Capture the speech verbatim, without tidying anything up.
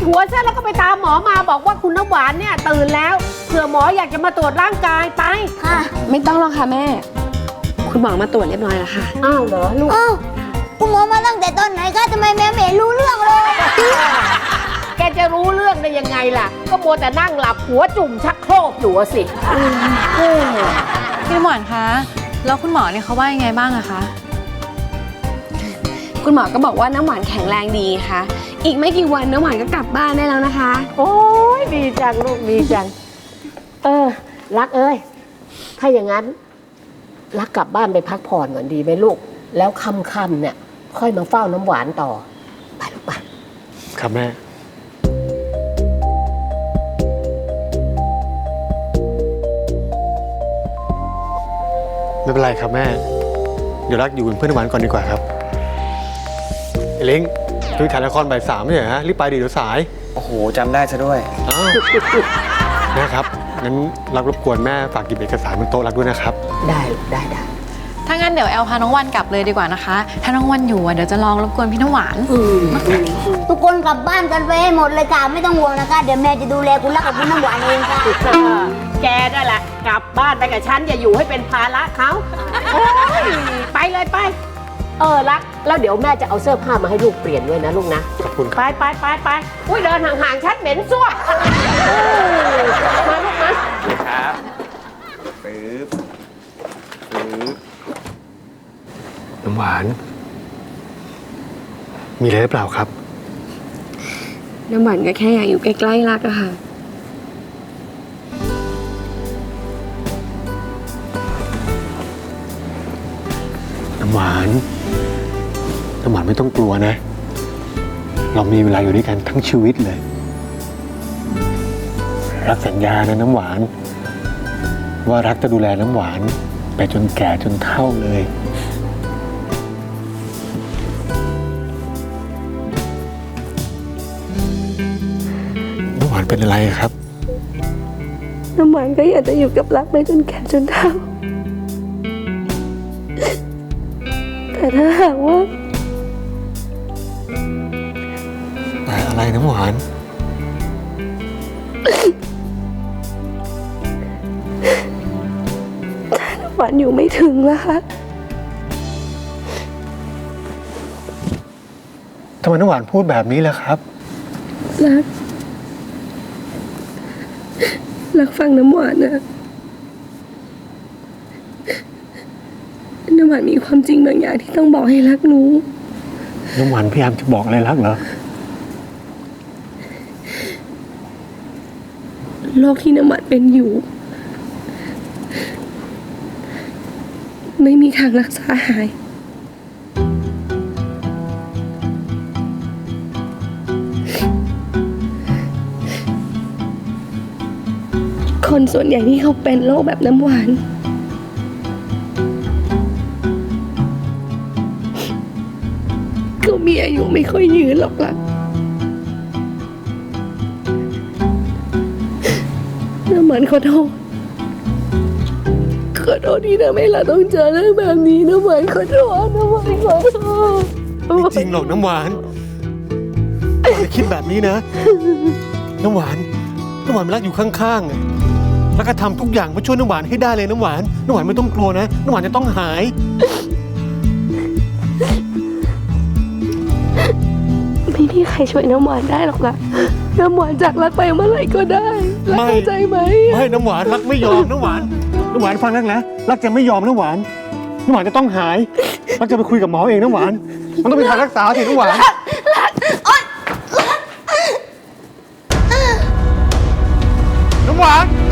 หัวซะแล้วก็ไปตามหมอมาบอกว่าคุณน้ำหวานเนี่ยตื่นแล้วเผื่อหมออยากจะมาตรวจร่างกายไปค่ะไม่ต้องหรอกค่ะแม่คุณหมอมาตรวจเรียบร้อยแล้วค่ะอ้าวเหรอลูกอ้าวคุณหมอมาตั้งแต่ตอนไหนคะทำไมแม่ไม่รู้เรื่องเลยแกจะรู้เรื่องได้ยังไงล่ะก็มัวแต่นั่งหลับหัวจุ่มชักโครกอยู่สิพี่หมอนคะแล้วคุณหมอเนี่ยเขาว่ายังไงบ้างอะคะคุณหมอก็บอกว่าน้ำหวานแข็งแรงดีค่ะอีกไม่กี่วันน้ำหวานก็กลับบ้านได้แล้วนะคะโอ้ยดีจังลูกดีจังเออรักเอ้ยถ้าอย่างนั้นรักกลับบ้านไปพักผ่อนก่อนดีไหมลูกแล้วค่ำๆเนี่ยค่อยมาเฝ้าน้ำหวานต่อไปลูกไปครับแม่ไม่เป็นไรครับแม่เดี๋ยวรักอยู่เป็นเพื่อนน้ำหวานก่อนดีกว่าครับไอ้เล้งช่วยถ่ายละครบ่ายสามไม่ใช่เหรอฮะรีบไปดิเดี๋ยวสายโอ้โหจำได้ซะด้วยอ้าวแม่ครับงั้นรักรบกวนแม่ฝากหยิบเอกสารบนโต๊ะรักด้วยนะครับได้ได้ได้ถ้างั้นเดี๋ยวแอลพาน้องวันกลับเลยดีกว่านะคะถ้าน้องวันอยู่เดี๋ยวจะลองรบกวนพี่น้ำหวานทุกคนกลับบ้านกันไปให้หมดเลยค่ะไม่ต้องห่วงนะคะเดี๋ยวแม่จะดูแลคุณรักกับคุณน้ำหวานเองค่ะแกได้แหละกลับบ้านไปกับฉันอย่าอยู่ให้เป็นภาระเขาไปเลยไปเออรักแล้วเดี๋ยวแม่จะเอาเสื้อผ้ามาให้ลูกเปลี่ยนด้วยนะลูกนะขอบคุณไปไปไปไปอุ้ยเดินห่างๆฉันเหม็นซั่วมาลูกนะครับปึ๊บปึ๊บน้ำหวานมีอะไรหรือเปล่าครับน้ำหวานก็แค่อยากอยู่ใกล้ๆรักอะค่ะน้ำหวานน้ำหวานไม่ต้องกลัวนะเรามีเวลาอยู่ด้วยกันทั้งชีวิตเลยรักสัญญานะน้ำหวานว่ารักจะดูแลน้ำหวานไปจนแก่จนเฒ่าเลยน้ำหวานเป็นอะไรครับน้ำหวานก็อยากจะอยู่กับรักไปจนแก่จนเฒ่าแต่ถ้าหากว่าแต่อะไรน้ำหวานถ้าน้ำหวานอยู่ไม่ถึงล่ะคะทำไมน้ำหวานพูดแบบนี้ล่ะครับรักรักฟังน้ำหวานนะน้ำหวานมีความจริงบางอย่างที่ต้องบอกให้รักรู้น้ำหวานพยายามจะบอกอะไรรักเหรอโรคที่น้ำหวานเป็นอยู่ไม่มีทางรักษาหายคนส่วนใหญ่ที่เขาเป็นโรคแบบน้ำหวานก็มีอายุไม่ค่อยยืนหรอกล่ะน้ำหวานขอโทษขอโทษที่ทำให้เราต้องเจอเรื่องแบบนี้น้ำหวานขอโทษน้ำหวานขอโทษไม่จริงหรอกน้ำหวานอย่าคิดแบบนี้นะน้ำหวานน้ำหวานรักอยู่ข้างๆแล้วก็ทำทุกอย่างเพื่อช่วยน้ำหวานให้ได้เลยน้ำหวานน้ำหวานไม่ต้องกลัวนะน้ำหวานจะต้องหายไม่มีใครช่วยน้ำหวานได้หรอกล่ะน้ำหวานจากรักไปเมื่อไหร่ก็ได้รักเข้าใจไหมไม่น้ำหวานรักไม่ยอมน้ำหวานน้ำหวานฟังรักนะรักจะไม่ยอมน้ำหวานน้ำหวานจะต้องหายรักจะไปคุยกับหมอเองน้ำหวานมันต้องเป็นทางรักษาสิน้ำหวานน้ำหวาน